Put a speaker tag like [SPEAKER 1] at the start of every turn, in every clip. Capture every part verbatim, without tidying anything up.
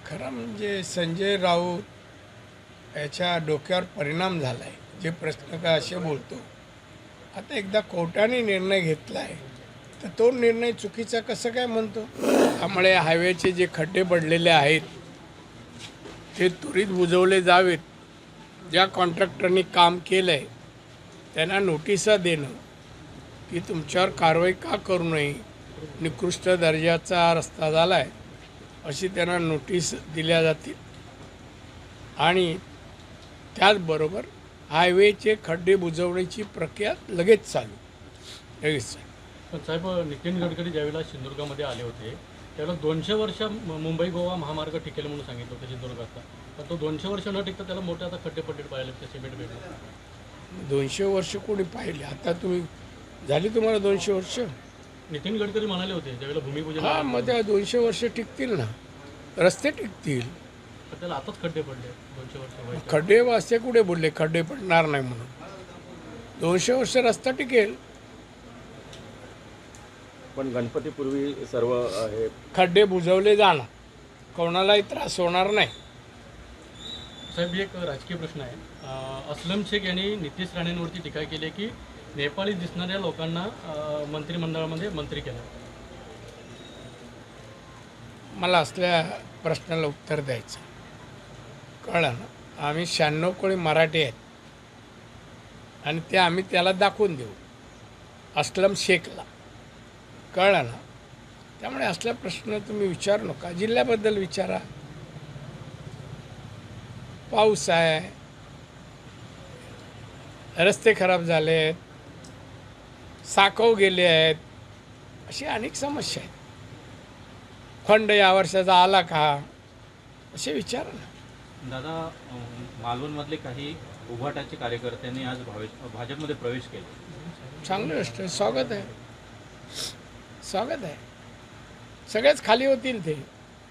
[SPEAKER 1] खरं म्हणजे संजय राऊत याच्या डोक्यावर परिणाम झाला आहे. जे प्रश्न काय असे बोलतो. आता एकदा कोर्टाने निर्णय घेतला आहे तर तो निर्णय चुकीचा कसं काय म्हणतो. त्यामुळे हायवेचे जे खड्डे पडलेले आहेत ते त्वरित बुजवले जावेत. ज्या कॉन्ट्रॅक्टरनी काम केलं आहे त्यांना नोटिसा देणं की तुमच्यावर कारवाई का करू नये, निकृष्ट दर्जाचा रस्ता झाला आहे अशी त्यांना नोटीस दिल्या जातील. आणि त्याचबरोबर हायवेचे खड्डे बुजवण्याची प्रक्रिया लगेच चालू लगेच चालू
[SPEAKER 2] पण साहेब, नितीन गडकरी ज्यावेळेला सिंधुदुर्गामध्ये आले होते त्यावेळेला दोनशे वर्ष मुंबई गोवा महामार्ग टिकेल म्हणून सांगितलं होतं सिंधुदुर्गाचा. पण तो दोनशे वर्ष न टिकता त्याला मोठे आता खड्डे पडले पाहिले त्या सिमेंट बेडला.
[SPEAKER 1] दोनशे वर्ष कोणी पाहिले. आता तुम्ही झाली तुम्हाला दोनशे वर्ष.
[SPEAKER 2] नितीन गडकरी म्हणाले होते ज्यावेळेला भूमिपूजन.
[SPEAKER 1] हां, मग त्या दोनशे वर्ष टिकतील ना, रस्ते टिकतील.
[SPEAKER 2] पण त्याला आताच खड्डे पडले दोनशे वर्ष व्हायचे.
[SPEAKER 1] खड्डे असे कुठे बोलले खड्डे पडणार नाही म्हणून. दोनशे वर्ष रस्ता टिकेल.
[SPEAKER 3] पण गणपतीपूर्वी सर्व हे
[SPEAKER 1] खड्डे बुजवले जाणार, कोणालाही त्रास होणार नाही.
[SPEAKER 2] साहेब, एक राजकीय प्रश्न आहे. अं, अस्लम शेख यांनी नितीश राणेंवरती टीका केली आहे की नेपाळी दिसणाऱ्या लोकांना अं, मंत्रिमंडळामध्ये मंत्री केलं.
[SPEAKER 1] मला असल्या प्रश्नाला उत्तर द्यायचं कळलं ना. आम्ही शहाण्णव कोळी मराठी आहेत आणि ते आम्ही त्याला दाखवून देऊ अस्लम शेखला, कळलं ना. त्यामुळे असला प्रश्न तुम्ही विचारू नका. जिल्ह्याबद्दल विचारा. पाऊस आहे, रस्ते खराब झाले आहेत, साकव गेले आहेत, अशी अनेक समस्या आहेत. फंड या वर्षाचा आला का असे विचारा ना.
[SPEAKER 4] दादा, मालवणमधले काही उभाटाचे कार्यकर्त्यांनी आज भावेश भाजपमध्ये प्रवेश केला.
[SPEAKER 1] चांगली गोष्ट आहे. स्वागत आहे, स्वागत आहे. सगळेच खाली होतील ते.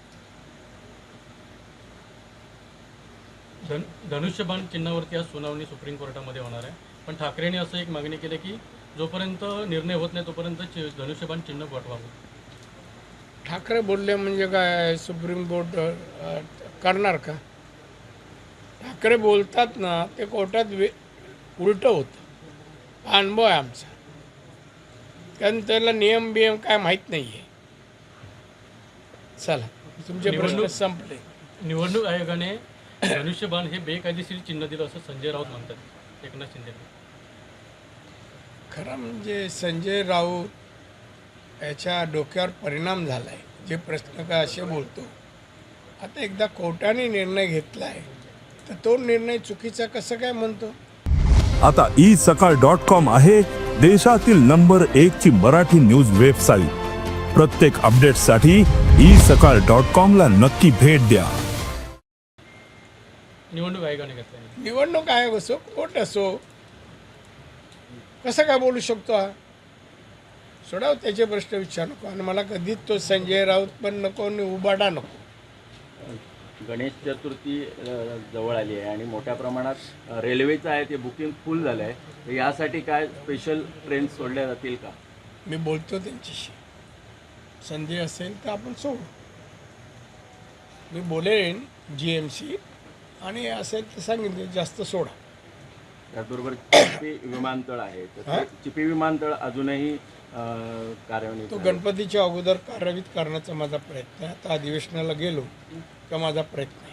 [SPEAKER 2] धन धनुष्यबाण चिन्हावरती आज सुनावणी सुप्रीम कोर्टामध्ये होणार आहे. पण ठाकरेंनी असं एक मागणी केली की जोपर्यंत निर्णय होत नाही तोपर्यंत चि- धनुष्यबाण चिन्ह पाठवावं.
[SPEAKER 1] ठाकरे बोलले म्हणजे काय सुप्रीम कोर्ट अ, करणार का. ठाकरे बोलतात ना ते कोर्टात वे उलटं होतं. हा अनुभव आहे आमचा. कारण त्याला नियम बियम काय माहीत नाही आहे. चला, तुमचे प्रश्न
[SPEAKER 2] निवडणूक-
[SPEAKER 1] संपले.
[SPEAKER 2] निवडणूक आयोगाने धनुष्यबाण हे बेकायदेशीर चिन्ह दिलं असं संजय राऊत म्हणतात एकनाथ शिंदे.
[SPEAKER 1] खरं म्हणजे संजय राऊत याच्या डोक्यावर परिणाम झाला आहे. जे प्रश्न काय असे बोलतो. आता एकदा कोर्टाने निर्णय घेतला आहे तर तो निर्णय चुकीचा कसं काय म्हणतो.
[SPEAKER 5] आता ई सकाळ डॉट कॉम आहे देशातील नंबर एक ची मराठी न्यूज वेबसाईट. प्रत्येक अपडेटसाठी ई सकाळ डॉट कॉम ला नक्की भेट द्या.
[SPEAKER 2] निवडणूक आयोगाने घेतला.
[SPEAKER 1] निवडणूक आयोग असो, कोर्ट असो, कसं काय बोलू शकतो हा. सोडाव त्याचे प्रश्न विचार नको. आणि मला कधीच तो संजय राऊत पण नको आणि उबाडा नको.
[SPEAKER 3] गणेश चतुर्थी अ, जवळ आली आहे आणि मोठ्या प्रमाणात अ, रेल्वेचं आहे ते बुकिंग फुल झालं आहे. तर यासाठी काय स्पेशल ट्रेन सोडल्या जातील का?
[SPEAKER 1] मी बोलतो त्यांच्याशी. संधी असेल तर आपण सोडू. मी बोलेन जी एम सी आणि असेल तर सांगितले जास्त सोडा.
[SPEAKER 3] त्याचबरोबर चिपी विमानतळ आहे तर
[SPEAKER 1] हा?
[SPEAKER 3] ते चिपी विमानतळ अजूनही अ, कार्यान्वित
[SPEAKER 1] तो
[SPEAKER 3] आहे.
[SPEAKER 1] गणपतीच्या अगोदर कार्यान्वित करण्याचा माझा प्रयत्न आहे. आता अधिवेशनाला गेलो का माझा प्रयत्न आहे.